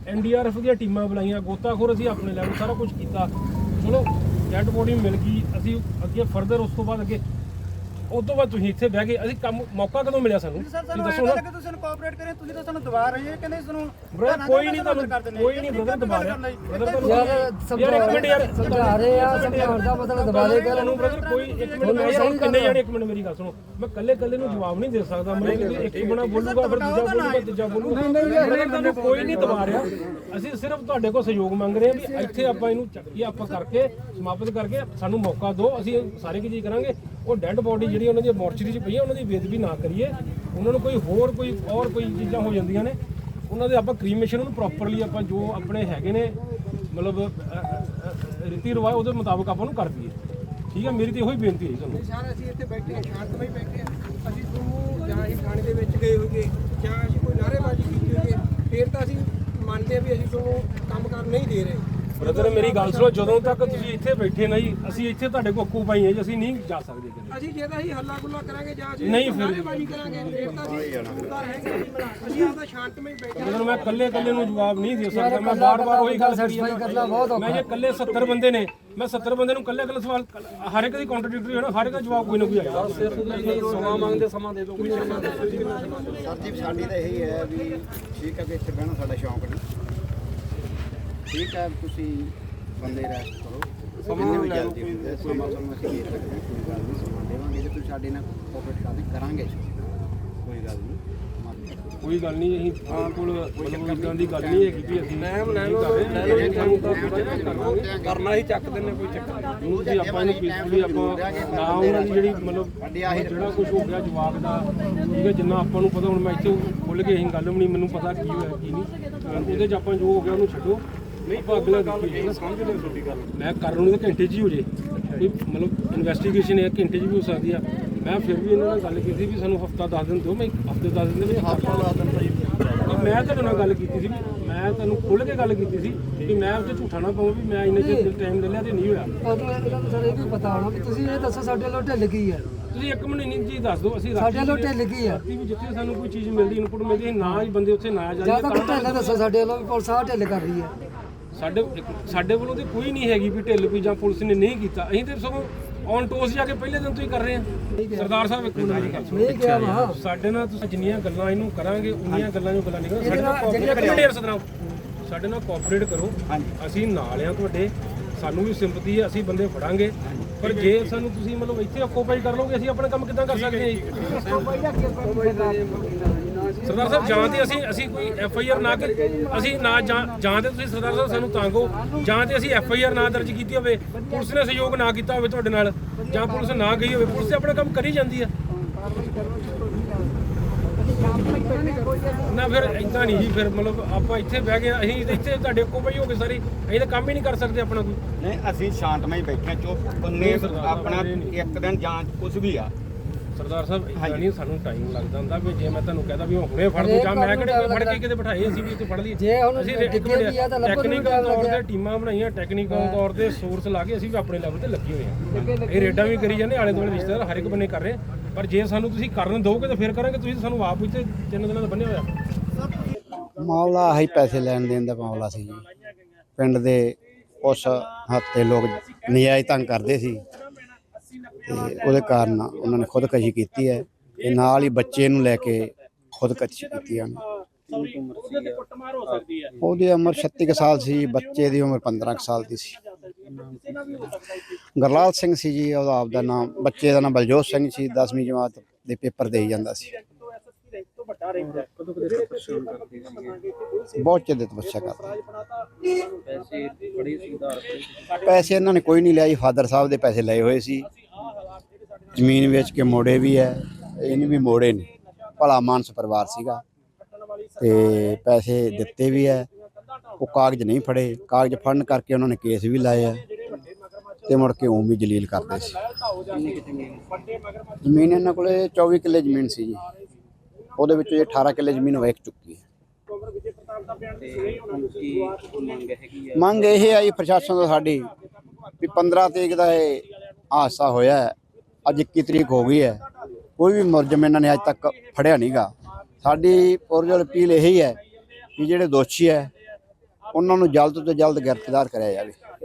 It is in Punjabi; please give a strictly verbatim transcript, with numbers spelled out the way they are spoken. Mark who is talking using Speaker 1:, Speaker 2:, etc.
Speaker 1: एन डी आर एफ ਦੀਆਂ ਟੀਮਾਂ ਬੁਲਾਈਆਂ, ਗੋਤਾਖੋਰ ਅਸੀਂ ਆਪਣੇ ਲੈਵਲ ਸਾਰਾ ਕੁਝ ਕੀਤਾ। ਚਲੋ ਡੈਡ ਬੋਡੀ ਮਿਲ ਗਈ, ਅਸੀਂ ਅੱਗੇ ਫਰਦਰ ਉਸ ਤੋਂ ਬਾਅਦ ਅੱਗੇ ਉਸ ਤੋਂ ਬਾਅਦ ਤੁਸੀਂ ਇੱਥੇ ਬਹਿ ਗਏ। ਅਸੀਂ ਕੰਮ ਮੌਕਾ ਕਦੋਂ ਮਿਲਿਆ ਸਾਨੂੰ?
Speaker 2: ਤੁਸੀਂ ਦੱਸੋ ਨਾ ਕਿ ਤੁਸੀਂ ਕੋਆਪਰੇਟ ਕਰੇ, ਤੁਸੀਂ ਤਾਂ ਸਾਨੂੰ ਦਬਾ ਰਹੇ ਹੋ। ਕਹਿੰਦੇ ਤੁਹਾਨੂੰ
Speaker 1: ਬ੍ਰਦਰ ਕੋਈ ਨਹੀਂ, ਤੁਹਾਨੂੰ ਕੋਈ ਨਹੀਂ ਬ੍ਰਦਰ ਦਬਾ ਰਿਹਾ। ਬ੍ਰਦਰ
Speaker 3: ਯਾਰ
Speaker 1: ਯਾਰ ਇੱਕ ਮਿੰਟ ਯਾਰ
Speaker 3: ਸਮਝਾ ਰਹੇ ਆ, ਸਮਝਾਉਣ ਦਾ ਮਤਲਬ ਦਬਾ ਦੇ ਕਰ
Speaker 1: ਨੂੰ ਬ੍ਰਦਰ ਕੋਈ ਇੱਕ ਮਿੰਟ ਮੈਂ ਯਾਰ ਕਿੰਨੇ ਜਾਣੇ, ਇੱਕ ਮਿੰਟ ਮੇਰੀ ਗੱਲ ਸੁਣੋ। ਮੈਂ ਕੱਲੇ ਕੱਲੇ ਨੂੰ ਜਵਾਬ ਨਹੀਂ ਦੇ ਸਕਦਾ। ਮੈਨੂੰ ਇੱਕ ਹੀ ਬਣਾ ਬੋਲੂਗਾ, ਫਿਰ ਦੂਜਾ ਬੋਲੂਗਾ, ਤੀਜਾ ਬੋਲੂਗਾ। ਤੁਹਾਨੂੰ ਕੋਈ ਨਹੀਂ ਦਬਾ ਰਿਹਾ। ਅਸੀਂ ਸਿਰਫ ਤੁਹਾਡੇ ਕੋਲ ਸਹਿਯੋਗ ਮੰਗ ਰਹੇ ਹਾਂ ਵੀ ਇੱਥੇ ਆਪਾਂ ਇਹਨੂੰ ਚੱਕੀ ਆਪਾਂ ਕਰਕੇ ਸਮਾਪਤ ਕਰਕੇ ਸਾਨੂੰ ਮੌਕਾ ਦਿਓ। ਅਸੀਂ ਸਾਰੇ ਕੀ ਚੀਜ਼ ਕਰਾਂਗੇ। ਉਹ ਡੈੱਡ ਬੋਡੀ ਜਿਹੜੀ ਉਹਨਾਂ ਦੀ ਮੋਰਚਰੀ 'ਚ ਪਈ ਹੈ ਉਹਨਾਂ ਦੀ ਬੇਦਬੀ ਨਾ ਕਰੀਏ। ਉਹਨਾਂ ਨੂੰ ਕੋਈ ਹੋਰ ਕੋਈ ਔਰ ਕੋਈ ਚੀਜ਼ਾਂ ਹੋ ਜਾਂਦੀਆਂ ਨੇ, ਉਹਨਾਂ ਦੇ ਆਪਾਂ ਕ੍ਰੀਮੇਸ਼ਨ ਨੂੰ ਪ੍ਰੋਪਰਲੀ ਆਪਾਂ ਜੋ ਆਪਣੇ ਹੈਗੇ ਨੇ ਮਤਲਬ ਰੀਤੀ ਰਿਵਾਜ ਉਹਦੇ ਮੁਤਾਬਕ ਆਪਾਂ ਨੂੰ ਕਰ ਦਈਏ। ਠੀਕ ਹੈ, ਮੇਰੀ ਤਾਂ ਇਹੋ ਹੀ ਬੇਨਤੀ ਹੈ ਤੁਹਾਨੂੰ।
Speaker 4: ਸਰ ਅਸੀਂ ਇੱਥੇ ਬੈਠੇ ਹਾਂ, ਸ਼ਾਂਤਮਈ ਬੈਠੇ ਹਾਂ। ਅਸੀਂ ਤੁਹਾਨੂੰ ਜਾਂ ਅਸੀਂ ਥਾਣੇ ਦੇ ਵਿੱਚ ਗਏ ਹੋਈਏ ਜਾਂ ਅਸੀਂ ਕੋਈ ਨਾਅਰੇਬਾਜ਼ੀ ਕੀਤੀ ਹੋਈਏ, ਫਿਰ ਤਾਂ ਅਸੀਂ ਮੰਨਦੇ ਹਾਂ ਵੀ ਅਸੀਂ ਤੁਹਾਨੂੰ ਕੰਮ ਕਰ ਨਹੀਂ ਦੇ ਰਹੇ।
Speaker 1: ਬ੍ਰਦਰ ਮੇਰੀ ਗੱਲ ਸੁਣੋ, ਜਦੋਂ ਤੱਕ ਤੁਸੀਂ ਇੱਥੇ ਬੈਠੇ ਨਹੀਂ, ਅਸੀਂ ਇੱਥੇ ਤੁਹਾਡੇ ਕੋਲ ਅੱਕੂ ਪਾਈ ਹੈ ਜੀ, ਅਸੀਂ ਨਹੀਂ ਜਾ ਸਕਦੇ ਕਿਤੇ।
Speaker 4: ਅਸੀਂ ਜੇ ਤਾਂ ਅਸੀਂ ਹੱਲਾ ਗੁੱਲਾ ਕਰਾਂਗੇ ਜਾਂ ਅਸੀਂ
Speaker 1: ਨਹੀਂ ਫਿਰ
Speaker 4: ਨਾਅਰੇਬਾਜ਼ੀ ਕਰਾਂਗੇ, ਫਿਰ ਤਾਂ ਅਸੀਂ ਜ਼ਿੰਮੇਵਾਰ ਹੈਗੇ। ਅਸੀਂ ਆਪਦਾ ਸ਼ਾਂਤਮਈ ਬੈਠੇ
Speaker 1: ਜਦੋਂ ਮੈਂ ਇਕੱਲੇ ਇਕੱਲੇ ਨੂੰ ਜਵਾਬ ਨਹੀਂ ਦੇ ਸਕਦਾ। ਮੈਂ ਬਾਰ-ਬਾਰ ਉਹੀ ਗੱਲ
Speaker 3: ਸੈਟੀਸਫਾਈ ਕਰਨਾ ਬਹੁਤ ਔਖਾ।
Speaker 1: ਮੈਂ ਜੇ ਇਕੱਲੇ ਸੱਤਰ ਬੰਦੇ ਨੇ, ਮੈਂ ਸੱਤਰ ਬੰਦੇ ਨੂੰ ਇਕੱਲੇ ਇਕੱਲੇ ਸਵਾਲ ਹਰ ਇੱਕ ਦੀ ਕੰਟਰਡਿਕਟਰੀ ਹੋਣਾ, ਹਰ ਇੱਕ ਦਾ ਜਵਾਬ ਕੋਈ ਨਾ ਕੋਈ ਆਏਗਾ। ਸਮਾਂ ਮੰਗਦੇ ਸਮਾਂ ਦੇ ਦਿਓ ਕੋਈ ਸਮਾਂ ਦੇ ਦਿਓ।
Speaker 5: ਸਰ ਜੀ ਸਾਡੀ ਤਾਂ ਇਹੀ ਹੈ ਵੀ ਠੀਕ ਹੈ ਕਿ ਇੱਥੇ ਬਹਿਣਾ ਸਾਡਾ ਸ਼ੌਂਕ ਨਹੀਂ। ਠੀਕ ਹੈ, ਤੁਸੀਂ ਬੰਦੇ ਰੈਸਟ ਕਰੋ, ਸਮਾਂ ਵੀ ਜਲਦੀ ਹੁੰਦਾ ਸਮਾਂ ਤੁਹਾਨੂੰ ਅਸੀਂ ਦੇ ਸਕਦੇ ਹਾਂ, ਕੋਈ ਗੱਲ ਨਹੀਂ ਸਮਾਂ ਦੇਵਾਂਗੇ। ਜੇ ਤੁਸੀਂ ਸਾਡੇ ਨਾਲ ਕੋਆਪਰੇਟ ਕਰਦੇ ਕਰਾਂਗੇ, ਕੋਈ ਗੱਲ ਨਹੀਂ।
Speaker 1: ਕੋਈ ਗੱਲ ਨਹੀਂ, ਅਸੀਂ ਆਪ ਕੋਲ ਮਤਲਬ ਇਦਾਂ ਦੀ ਗੱਲ ਨਹੀਂ ਹੈਗੀ ਕਿ ਅਸੀਂ ਟਾਈਮ ਲੈ ਲਓ ਕਰਨਾ ਹੀ ਚੱਕ ਦਿੰਦੇ ਕੋਈ ਚੱਕਰ ਨਹੀਂ ਜੀ। ਆਪਾਂ ਇਹਨੂੰ ਪੀਸਫੁਲੀ ਆਪਾਂ ਨਾ ਉਹਨਾਂ ਦੀ ਜਿਹੜੀ ਮਤਲਬ ਜਿਹੜਾ ਕੁਝ ਹੋ ਗਿਆ ਜਵਾਬ ਦਾ, ਠੀਕ ਹੈ, ਜਿੰਨਾ ਆਪਾਂ ਨੂੰ ਪਤਾ। ਹੁਣ ਮੈਂ ਇੱਥੇ ਖੁੱਲ੍ਹ ਕੇ ਅਸੀਂ ਗੱਲ ਵੀ ਨਹੀਂ, ਮੈਨੂੰ ਪਤਾ ਕੀ ਹੋਇਆ ਕੀ ਨਹੀਂ, ਉਹਦੇ 'ਚ ਆਪਾਂ ਜੋ ਹੋ ਗਿਆ ਉਹਨੂੰ ਛੱਡੋ। ਨਹੀਂ ਆਪਾਂ ਅਗਲਾ ਦੇਖੀਏ, ਸਮਝ ਲਿਓ ਤੁਹਾਡੀ ਗੱਲ। ਮੈਂ ਕਰਨ ਨੂੰ ਤਾਂ ਘੰਟੇ 'ਚ ਹੀ ਹੋ ਜੇ, ਕੋਈ ਮਤਲਬ ਇਨਵੈਸਟੀਗੇਸ਼ਨ ਹੈ ਘੰਟੇ 'ਚ ਵੀ ਹੋ ਸਕਦੀ ਆ। ਮੈਂ ਫਿਰ ਵੀ ਇਹਨਾਂ ਨਾਲ ਗੱਲ ਕੀਤੀ ਵੀ ਸਾਨੂੰ ਹਫਤਾ ਦਸ ਦਿਨ ਦਿਓ। ਮੈਂ ਹਫਤੇ ਦਸ ਦਿਨ ਦੇ ਵਿੱਚ ਹਫਤਾ ਦਸ ਦਿਨ ਮੈਂ ਤੁਹਾਡੇ ਨਾਲ ਗੱਲ ਕੀਤੀ ਸੀ, ਮੈਂ ਤੁਹਾਨੂੰ ਖੁੱਲ੍ਹ ਕੇ ਗੱਲ ਕੀਤੀ ਸੀ ਕਿ ਮੈਂ ਉੱਥੇ ਝੂਠਾ ਨਾ ਪਾਵਾਂ ਵੀ ਮੈਂ ਇੰਨੇ ਚਿਰ ਟਾਈਮ ਲੈ ਲਿਆ ਤੇ ਨਹੀਂ ਹੋਇਆ।
Speaker 3: ਤੁਹਾਨੂੰ ਇਹਨਾਂ ਨੂੰ ਸਰ ਇਹ ਵੀ ਪਤਾ ਹੋਣਾ ਵੀ ਤੁਸੀਂ ਇਹ ਦੱਸੋ ਸਾਡੇ ਵੱਲੋਂ ਢਿੱਲ ਕੀ ਹੈ।
Speaker 1: ਤੁਸੀਂ ਇੱਕ ਮਿੰਟ ਇੰਨੀ ਚੀਜ਼ ਦੱਸ ਦਿਓ। ਅਸੀਂ
Speaker 3: ਸਾਡੇ ਵੱਲੋਂ ਢਿੱਲ ਕੀ ਹੈ
Speaker 1: ਵੀ ਜਿੱਥੇ ਸਾਨੂੰ ਕੋਈ ਚੀਜ਼ ਮਿਲਦੀ ਇਨਪੁਟ ਮਿਲਦੀ ਨਾ ਹੀ ਬੰਦੇ ਉੱਥੇ ਨਾ
Speaker 3: ਜਾਂ
Speaker 1: ਜਾਈਏ।
Speaker 3: ਤਾਂ ਢਿੱਲ ਦੱਸੋ ਸਾਡੇ ਵੱਲੋਂ ਵੀ ਪੁਲਿਸ ਆਹ ਢਿੱਲ ਕਰ ਰਹੀ ਹੈ।
Speaker 1: ਸਾਡੇ ਸਾਡੇ ਵੱਲੋਂ ਤੇ ਕੋਈ ਨਹੀਂ ਹੈਗੀ ਵੀ ਢਿੱਲ ਵੀ ਜਾਂ ਪੁਲਿਸ ਨੇ ਨਹੀਂ ਕੀਤਾ। ਅਸੀਂ ਤੇ ਸਗੋਂ ਔਨ ਟੋਸ ਜਾ ਕੇ ਪਹਿਲੇ ਦਿਨ ਤੋਂ ਹੀ ਕਰ ਰਹੇ ਹਾਂ। ਸਰਦਾਰ ਸਾਹਿਬ ਇੱਕ ਮਿੰਟ ਮੇਰੀ ਗੱਲ ਸੁਣੋ।
Speaker 3: ਨਹੀਂ ਕਿਹਾ ਵਾ
Speaker 1: ਸਾਡੇ ਨਾਲ ਤੁਸੀਂ ਜਿੰਨੀਆਂ ਗੱਲਾਂ ਇਹਨੂੰ ਕਰਾਂਗੇ ਉਨੀਆਂ ਗੱਲਾਂ ਜੋ ਗੱਲਾਂ ਨਹੀਂ ਸਾਡੇ ਨਾਲ ਸਾਡੇ ਨਾਲ ਕੋਆਪਰੇਟ ਕਰੋ। ਅਸੀਂ ਨਾਲ ਆ ਤੁਹਾਡੇ, ਸਾਨੂੰ ਵੀ ਸਿੰਪਥੀ ਹੈ, ਅਸੀਂ ਬੰਦੇ ਫੜਾਂਗੇ। ਪਰ ਜੇ ਸਾਨੂੰ ਤੁਸੀਂ ਮਤਲਬ ਇੱਥੇ ਆਕੂਪਾਈ ਕਰ ਲਓਗੇ, ਅਸੀਂ ਆਪਣਾ ਕੰਮ ਕਿੱਦਾਂ ਕਰ ਸਕਦੇ ਹਾਂ? ਸਰਦਾਰ ਸਾਹਿਬ ਜਾਂ ਤੇ ਅਸੀਂ ਅਸੀਂ ਕੋਈ ਐਫ ਆਈ ਆਰ ਨਾ ਕਰ ਅਸੀਂ ਨਾ ਜਾਂ ਜਾਂ ਤੇ ਤੁਸੀਂ ਸਰਦਾਰ ਸਾਹਿਬ ਸਾਨੂੰ ਤਾਂਗੋ, ਜਾਂ ਤੇ ਅਸੀਂ ਐਫ ਆਈ ਆਰ ਨਾ ਦਰਜ ਕੀਤੀ ਹੋਵੇ, ਪੁਲਿਸ ਨੇ ਸਹਿਯੋਗ ਨਾ ਕੀਤਾ ਹੋਵੇ ਤੁਹਾਡੇ ਨਾਲ, ਜਾਂ ਪੁਲਿਸ ਨਾ ਗਈ ਹੋਵੇ। ਪੁਲਿਸ ਤੇ ਆਪਣਾ ਕੰਮ ਕਰੀ ਜਾਂਦੀ ਆ ਨਾ। ਫਿਰ ਇਦਾਂ ਨਹੀਂ ਜੀ, ਫਿਰ ਮਤਲਬ ਆਪਾਂ ਇੱਥੇ ਬਹਿ ਗਏ, ਅਸੀਂ ਇੱਥੇ ਤੁਹਾਡੇ ਕੋਲ ਪਈ ਹੋ ਗਏ ਸਾਰੇ, ਅਸੀਂ ਤਾਂ ਕੰਮ ਹੀ ਨਹੀਂ ਕਰ ਸਕਦੇ ਆਪਣਾ ਕੋਈ।
Speaker 5: ਨਹੀਂ ਅਸੀਂ ਸ਼ਾਂਤਮਈ ਬੈਠੇ ਚੁੱਪ ਬੰਨੇ ਆਪਣਾ ਇੱਕ ਦਿਨ ਜਾਂਚ ਕੁਝ ਵੀ ਆ।
Speaker 1: ਸਰਦਾਰ ਸਾਹਿਬ ਇਦਾਂ ਨਹੀਂ, ਸਾਨੂੰ ਟਾਈਮ ਲੱਗਦਾ ਹੁੰਦਾ ਵੀ ਜੇ ਮੈਂ ਤੁਹਾਨੂੰ ਕਹਦਾ ਵੀ ਹੁਣੇ ਫੜ ਦੋ ਜਾਂ ਮੈਂ ਕਿਹੜੇ ਫੜ ਕੇ ਕਿਤੇ ਬਿਠਾਏ, ਅਸੀਂ ਵੀ ਇੱਥੇ ਫੜ ਲਈਏ।
Speaker 3: ਜੇ ਹੁਣ
Speaker 1: ਅਸੀਂ
Speaker 3: ਟੈਕਨੀਕਲ
Speaker 1: ਤੌਰ ਤੇ ਟੀਮਾਂ ਬਣਾਈਆਂ, ਟੈਕਨੀਕਲ ਤੌਰ ਤੇ ਸੋਰਸ ਲਾ ਕੇ ਅਸੀਂ ਵੀ ਆਪਣੇ ਲੈਵਲ ਤੇ ਲੱਗੇ ਹੋਏ ਹਾਂ। ਇਹ ਰੇਡਾਂ ਵੀ ਕਰੀ ਜਾਂਦੇ, ਆਲੇ ਦੁਆਲੇ ਰਿਸ਼ਤੇਦਾਰ ਹਰ ਇੱਕ ਬੰਨੇ ਕਰ ਰਹੇ। ਪਰ ਜੇ ਸਾਨੂੰ ਤੁਸੀਂ ਕਰਨ ਦਿਓਗੇ ਤਾਂ ਫਿਰ ਕਰਾਂਗੇ। ਤੁਸੀਂ ਸਾਨੂੰ ਆਪ ਇੱਥੇ ਤਿੰਨ ਦਿਨਾਂ ਦਾ ਬੰਨਿਆ ਹੋਇਆ
Speaker 5: ਮਾਮਲਾ ਆਹੀ ਪੈਸੇ ਲੈਣ ਦੇਣ ਦਾ ਮਾਮਲਾ ਸੀ ਜੀ। ਪਿੰਡ ਦੇ ਉਸ ਹੱਥ 'ਤੇ ਲੋਕ ਨਜਾਇਜ਼ ਤੰਗ ਕਰਦੇ ਸੀ ਤੇ ਉਹਦੇ ਕਾਰਨ ਉਹਨਾਂ ਨੇ ਖੁਦਕਸ਼ੀ ਕੀਤੀ ਹੈ ਤੇ ਨਾਲ ਹੀ ਬੱਚੇ ਨੂੰ ਲੈ ਕੇ ਖੁਦਕਸ਼ੀ ਕੀਤੀ ਹਨ। ਉਹਦੀ ਉਮਰ ਛੱਤੀ ਕੁ ਸਾਲ ਸੀ, ਬੱਚੇ ਦੀ ਉਮਰ ਪੰਦਰਾਂ ਕੁ ਸਾਲ ਦੀ ਸੀ। ਗੁਰਲਾਲ ਸਿੰਘ ਸੀ ਜੀ ਉਹਦਾ ਆਪਦਾ ਨਾਮ, ਬੱਚੇ ਦਾ ਨਾਮ ਬਲਜੋਤ ਸਿੰਘ ਸੀ। ਦਸਵੀਂ ਜਮਾਤ ਦੇ ਪੇਪਰ ਦੇਈ ਜਾਂਦਾ ਸੀ। ਬਹੁਤ ਚਿਰ ਦੇ ਤਪੱਸਿਆ ਕਰਦਾ। ਪੈਸੇ ਇਹਨਾਂ ਨੇ ਕੋਈ ਨਹੀਂ ਲਿਆ ਜੀ, ਫਾਦਰ ਸਾਹਿਬ ਦੇ ਪੈਸੇ ਲਏ ਹੋਏ ਸੀ। ਜ਼ਮੀਨ ਵੇਚ ਕੇ ਮੋੜੇ ਵੀ ਹੈ, ਇਹਨੇ ਵੀ ਮੋੜੇ ਨੇ। ਭਲਾ ਮਾਨਸ ਪਰਿਵਾਰ ਸੀਗਾ ਤੇ ਪੈਸੇ ਦਿੱਤੇ ਵੀ ਹੈ। ਉਹ ਕਾਗਜ਼ ਨਹੀਂ ਫੜੇ, ਕਾਗਜ਼ ਫੜਨ ਕਰਕੇ ਉਹਨਾਂ ਨੇ ਕੇਸ ਵੀ ਲਾਏ ਆ ਤੇ ਮੁੜ ਕੇ ਉਹ ਵੀ ਜਲੀਲ ਕਰਦੇ ਸੀ। ਜ਼ਮੀਨ ਇਹਨਾਂ ਕੋਲੇ ਚੌਵੀ ਕਿੱਲੇ ਜ਼ਮੀਨ ਸੀ ਜੀ, ਉਹਦੇ ਵਿੱਚ ਇਹ ਅਠਾਰਾਂ ਕਿੱਲੇ ਜ਼ਮੀਨ ਵੇਚ ਚੁੱਕੀ ਹੈ। ਮੰਗ ਇਹ ਆਈ ਪ੍ਰਸ਼ਾਸਨ ਤੋਂ ਸਾਡੀ ਵੀ ਪੰਦਰਾਂ ਤਰੀਕ ਦਾ ਇਹ ਹਾਦਸਾ ਹੋਇਆ, ਅੱਜ ਇੱਕੀ ਤਰੀਕ ਹੋ ਗਈ ਹੈ, ਕੋਈ ਵੀ ਮੁਲਜ਼ਮ ਇਹਨਾਂ ਨੇ ਅੱਜ ਤੱਕ ਫੜਿਆ ਨਹੀਂ ਗਾ। ਸਾਡੀ ਪੁਰਜੋਰ ਅਪੀਲ ਇਹੀ ਹੈ ਕਿ ਜਿਹੜੇ ਦੋਸ਼ੀ ਹੈ ਉਹਨਾਂ ਨੂੰ ਜਲਦ ਤੋਂ ਜਲਦ ਗ੍ਰਿਫਤਾਰ ਕਰਿਆ ਜਾਵੇ।